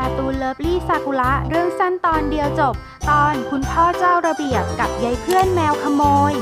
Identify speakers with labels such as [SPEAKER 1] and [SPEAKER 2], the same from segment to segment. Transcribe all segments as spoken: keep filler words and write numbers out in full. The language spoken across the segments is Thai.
[SPEAKER 1] การ์ตูนเลิฟลี่ซากุระเรื่องสั้นตอนเดียวจบตอนคุณพ่อเจ้าระเบียบกับยายเพื่อนแมวขโมย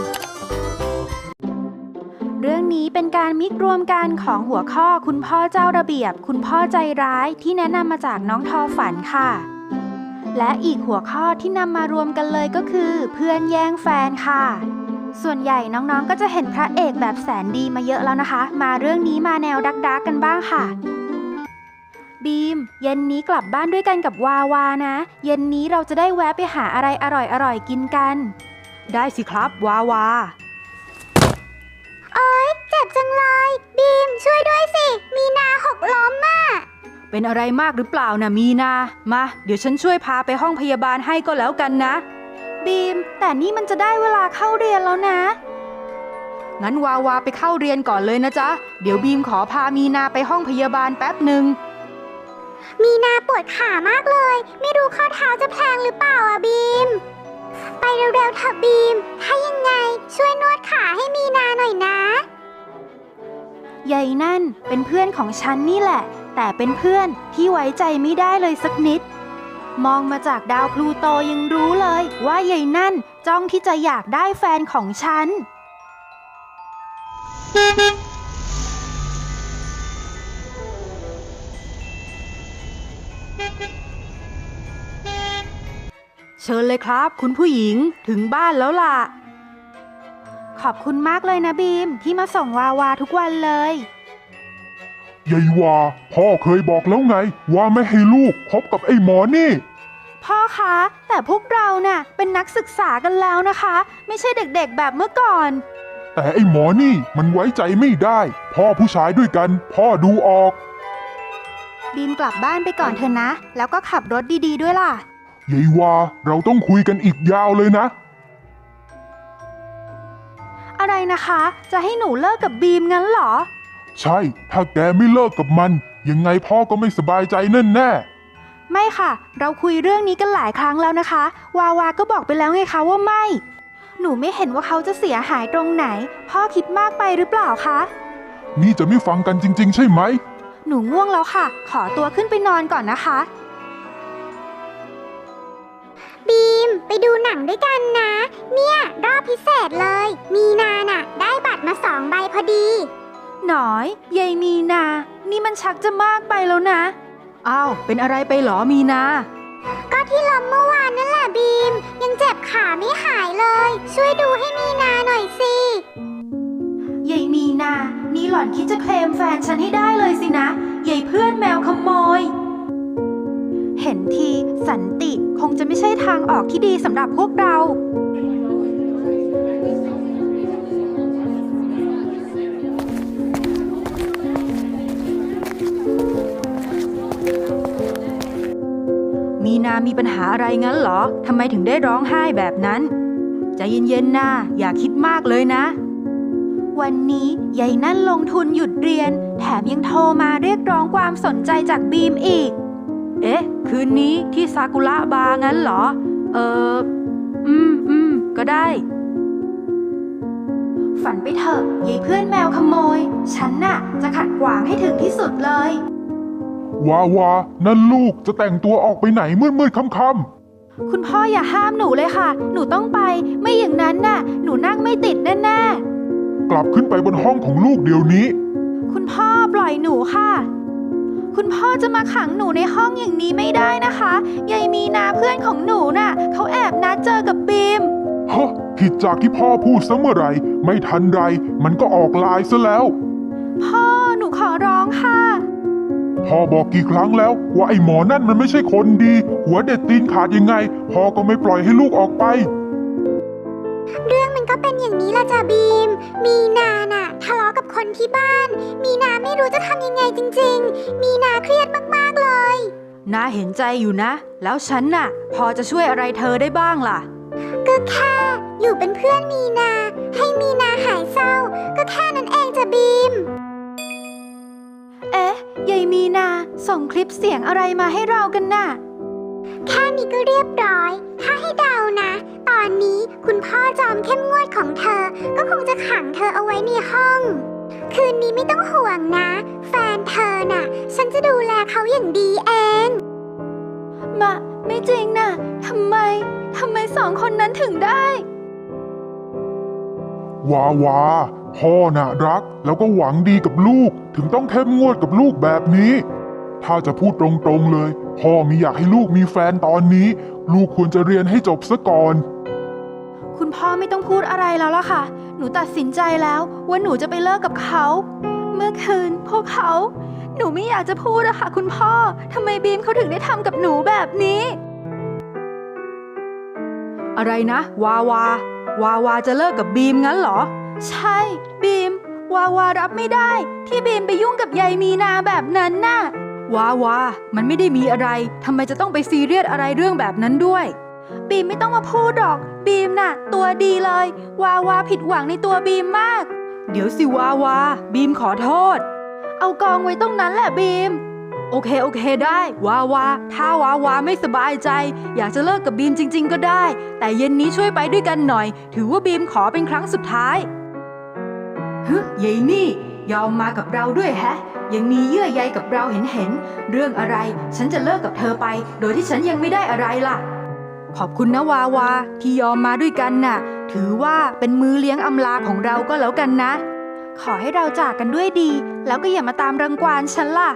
[SPEAKER 1] เรื่องนี้เป็นการมิกรวมกันของหัวข้อคุณพ่อเจ้าระเบียบคุณพ่อใจร้ายที่แนะนำมาจากน้องทอฝันค่ะและอีกหัวข้อที่นำมารวมกันเลยก็คือเพื่อนแย่งแฟนค่ะส่วนใหญ่น้องๆก็จะเห็นพระเอกแบบแสนดีมาเยอะแล้วนะคะมาเรื่องนี้มาแนวดักดักกันบ้างค่ะบีมเย็นนี้กลับบ้านด้วยกันกับวาวานะเย็นนี้เราจะได้แวะไปหาอะไรอร่อยๆกินกันได้สิครับวาวา
[SPEAKER 2] โอ๊ยเจ็บจังเลยบีมช่วยด้วยสิมีนาหกล้มอ่ะ
[SPEAKER 1] เป็นอะไรมากหรือเปล่านะมีนามาเดี๋ยวฉันช่วยพาไปห้องพยาบาลให้ก็แล้วกันนะบีมแต่นี่มันจะได้เวลาเข้าเรียนแล้วนะงั้นวาวาไปเข้าเรียนก่อนเลยนะจ๊ะเดี๋ยวบีมขอพามีนาไปห้องพยาบาลแป๊บหนึ่ง
[SPEAKER 2] มีนาปวดขามากเลยไม่รู้ข้อเท้าจะแพลงหรือเปล่าอ่ะบีมไปเร็วๆเถอะบีมถ้ายังไงช่วยนวดขาให้มีนาหน่อยนะ
[SPEAKER 1] ยายนั่นเป็นเพื่อนของฉันนี่แหละแต่เป็นเพื่อนที่ไว้ใจไม่ได้เลยสักนิดมองมาจากดาวพลูโตยังรู้เลยว่ายายนั่นจ้องที่จะอยากได้แฟนของฉันเชิญเลยครับคุณผู้หญิงถึงบ้านแล้วล่ะขอบคุณมากเลยนะบีมที่มาส่งวาวาทุกวันเลย
[SPEAKER 3] ยายวาพ่อเคยบอกแล้วไงว่าไม่ให้ลูกคบกับไอ้หมอนี่
[SPEAKER 1] พ่อคะแต่พวกเราน่ะเป็นนักศึกษากันแล้วนะคะไม่ใช่เด็กๆแบบเมื่อก่อน
[SPEAKER 3] แต่ไอ้หมอนี่มันไว้ใจไม่ได้พ่อผู้ชายด้วยกันพ่อดูออก
[SPEAKER 1] บีมกลับบ้านไปก่อนเถอะนะแล้วก็ขับรถดีๆด้วยล่ะ
[SPEAKER 3] ยายวาเราต้องคุยกันอีกยาวเลยนะ
[SPEAKER 1] อะไรนะคะจะให้หนูเลิกกับบีมงั้นเหรอ
[SPEAKER 3] ใช่ถ้าแกไม่เลิกกับมันยังไงพ่อก็ไม่สบายใจแน่แน่
[SPEAKER 1] ไม่ค่ะเราคุยเรื่องนี้กันหลายครั้งแล้วนะคะวาวาก็บอกไปแล้วไงคะว่าไม่หนูไม่เห็นว่าเขาจะเสียหายตรงไหนพ่อคิดมากไปหรือเปล่าคะ
[SPEAKER 3] นี่จะไม่ฟังกันจริงๆใช่ไหม
[SPEAKER 1] หนูง่วงแล้วค่ะขอตัวขึ้นไปนอนก่อนนะคะ
[SPEAKER 2] บีมไปดูหนังด้วยกันนะเนี่ยรอบพิเศษเลยมีนาน่ะได้บัตรมาสองใบพอดี
[SPEAKER 1] หน่อยยายมีนานี่มันชักจะมากไปแล้วนะอ้าวเป็นอะไรไปหรอมีนา
[SPEAKER 2] ก็ที่ล้มเมื่อวานนั่นแหละบีมยังเจ็บขาไม่หายเลยช่วยดูให้มีนาหน่อยสิ
[SPEAKER 1] ยายมีนานี่หล่อนคิดจะเคลมแฟนฉันให้ได้เลยสินะยายเพื่อนแมวขโมยเห็นทีสันติคงจะไม่ใช่ทางออกที่ดีสำหรับพวกเรามีนามีปัญหาอะไรงั้นเหรอทำไมถึงได้ร้องไห้แบบนั้นใจเย็นๆนะอย่าคิดมากเลยนะวันนี้ยายนั่นลงทุนหยุดเรียนแถมยังโทรมาเรียกร้องความสนใจจากบีมอีกเอ๊ะคืนนี้ที่ซากุระบาร์งั้นเหรอเอออืมอืมก็ได้ฝันไปเถอะยายเพื่อนแมวขโมยฉันน่ะจะขัดขวางให้ถึงที่สุดเลยว
[SPEAKER 3] าวานั่นลูกจะแต่งตัวออกไปไหนมืดๆค่ำ
[SPEAKER 1] ๆคุณพ่ออย่าห้ามหนูเลยค่ะหนูต้องไปไม่อย่างนั้นน่ะหนูนั่งไม่ติดแน่
[SPEAKER 3] ๆกลับขึ้นไปบนห้องของลูกเดี๋ยวนี้
[SPEAKER 1] คุณพ่อปล่อยหนูค่ะคุณพ่อจะมาขังหนูในห้องอย่างนี้ไม่ได้นะคะยายมีนาเพื่อนของหนูน่ะเขาแอบนัดเจอกับบีม
[SPEAKER 3] ฮะผิดจากที่พ่อพูดซะเมื่อไหร่ไม่ทันไรมันก็ออกลายซะแล้ว
[SPEAKER 1] พ่อหนูขอร้องค่ะ
[SPEAKER 3] พ่อบอกกี่ครั้งแล้วว่าไอ้หมอนั่นมันไม่ใช่คนดีหัวเด็ดตีนขาดยังไงพ่อก็ไม่ปล่อยให้ลูกออกไป
[SPEAKER 2] เรื่องมันก็เป็นอย่างนี้ละจ้ะบีมมีนาน่ะทะเลาะกับคนที่บ้านมีนาไม่รู้จะทำยังไงจริงๆมีนาเครียดมากๆเลย
[SPEAKER 1] น่าเห็นใจอยู่นะแล้วฉันน่ะพอจะช่วยอะไรเธอได้บ้างล่ะ
[SPEAKER 2] ก็แค่อยู่เป็นเพื่อนมีนาให้มีนาหายเศร้าก็แค่นั้นเองจ้ะบีม
[SPEAKER 1] เอ๊ะยายมีนาส่งคลิปเสียงอะไรมาให้เรากันน่ะ
[SPEAKER 2] แค่นี้ก็เรียบร้อยถ้าให้เดานะตอนนี้คุณพ่อจอมเข้มงวดของเธอก็คงจะขังเธอเอาไว้ในห้องคืนนี้ไม่ต้องห่วงนะแฟนเธอน่ะฉันจะดูแลเขาอย่างดีเอง
[SPEAKER 1] มาไม่จริงนะทำไมทำไมสองคนนั้นถึงได้
[SPEAKER 3] วาวาพ่อน่ะรักแล้วก็หวังดีกับลูกถึงต้องเข้มงวดกับลูกแบบนี้ ถ้าจะพูดตรงๆเลยพ่อไม่อยากให้ลูกมีแฟนตอนนี้ ลูกควรจะเรียนให้จบซะก่อน
[SPEAKER 1] คุณพ่อไม่ต้องพูดอะไรแล้วล่ะค่ะ หนูตัดสินใจแล้วว่าหนูจะไปเลิกกับเขา เมื่อคืนพวกเขา หนูไม่อยากจะพูดอะค่ะคุณพ่อทำไมบีมเขาถึงได้ทำกับหนูแบบนี้ อะไรนะ วาวาวาวาจะเลิกกับบีมงั้นเหรอ ใช่บีม วาวารับไม่ได้ ที่บีมไปยุ่งกับยายมีนาแบบนั้นน่ะ วาวามันไม่ได้มีอะไรทำไมจะต้องไปซีเรียสอะไรเรื่องแบบนั้นด้วย บีมไม่ต้องมาพูดหรอกบีมน่ะตัวดีเลย วาวาผิดหวังในตัวบีมมาก เดี๋ยวสิวาวาบีมขอโทษ เอากองไว้ตรงนั้นแหละบีม โอเคโอเคได้วาวาถ้าวาวาไม่สบายใจ อยากจะเลิกกับบีมจริงๆก็ได้ แต่เย็นนี้ช่วยไปด้วยกันหน่อย ถือว่าบีมขอเป็นครั้งสุดท้ายฮึยายนี่ยอมมากับเราด้วยแฮะ ยังมีเยื่อใยกับเราเห็นเห็นเรื่องอะไรฉันจะเลิกกับเธอไป โดยที่ฉันยังไม่ได้อะไรล่ะ ขอบคุณนะวาวาที่ยอมมาด้วยกันน่ะ ถือว่าเป็นมือเลี้ยงอำลาของเราก็แล้วกันนะ ขอให้เราจากกันด้วยดี แล้วก็อย่ามาตามรังควานฉันล่ะ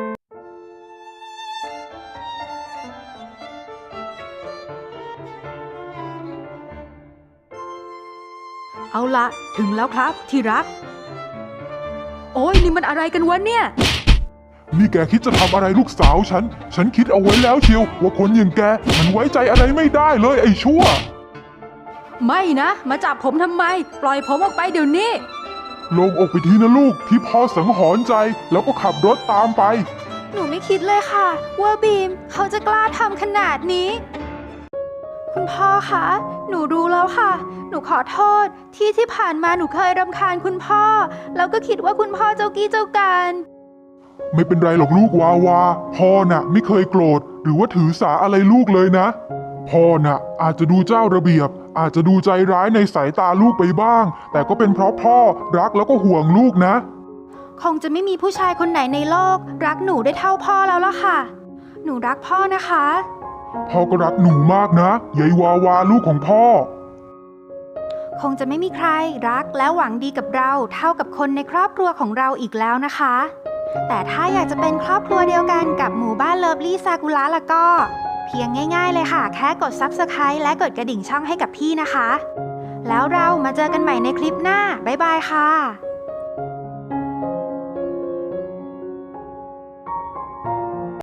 [SPEAKER 1] เอาละถึงแล้วครับที่รัก โอ้ยนี่มันอะไรกันวะเนี่ย
[SPEAKER 3] นี่แกคิดจะทำอะไรลูกสาวฉัน ฉันคิดเอาไว้แล้วเชียวว่าคนอย่างแกมันไว้ใจอะไรไม่ได้เลยไอ้ชั่ว
[SPEAKER 1] ไม่นะ มาจับผมทำไม ปล่อยผมออกไปเดี๋ยวนี้
[SPEAKER 3] ลงอกไปทีนะลูกที่พ่อสังหรณ์ใจแล้วก็ขับรถตามไป
[SPEAKER 1] หนูไม่คิดเลยค่ะ ว่าบีมเขาจะกล้าทำขนาดนี้ คุณพ่อคะ หนูรู้แล้วค่ะ หนูขอโทษที่ที่ผ่านมาหนูเคยรำคาญคุณพ่อ แล้วก็คิดว่าคุณพ่อเจ้ากี้เจ้าการ
[SPEAKER 3] ไม่เป็นไรหรอกลูกวาวาพ่อน่ะไม่เคยโกรธหรือว่าถือสาอะไรลูกเลยนะ พ่อน่ะอาจจะดูเจ้าระเบียบ อาจจะดูใจร้ายในสายตาลูกไปบ้าง แต่ก็เป็นเพราะพ่อรักแล้วก็ห่วงลูกนะ
[SPEAKER 1] คงจะไม่มีผู้ชายคนไหนในโลก รักหนูได้เท่าพ่อแล้วล่ะค่ะ หนูรักพ่อนะคะ
[SPEAKER 3] พ่อก็รักหนูมากนะยายวาวาลูกของพ่อ
[SPEAKER 1] คงจะไม่มีใครรักและหวังดีกับเราเท่ากับคนในครอบครัวของเราอีกแล้วนะคะ แต่ถ้าอยากจะเป็นครอบครัวเดียวกันกับหมู่บ้านเลิฟลี่ซากุระแล้วก็ เพียงง่ายๆเลยค่ะ แค่กด ซับสไครบ์ และกดกระดิ่งช่องให้กับพี่นะคะ แล้วเรามาเจอกันใหม่ในคลิปหน้า บ๊ายบายค่ะ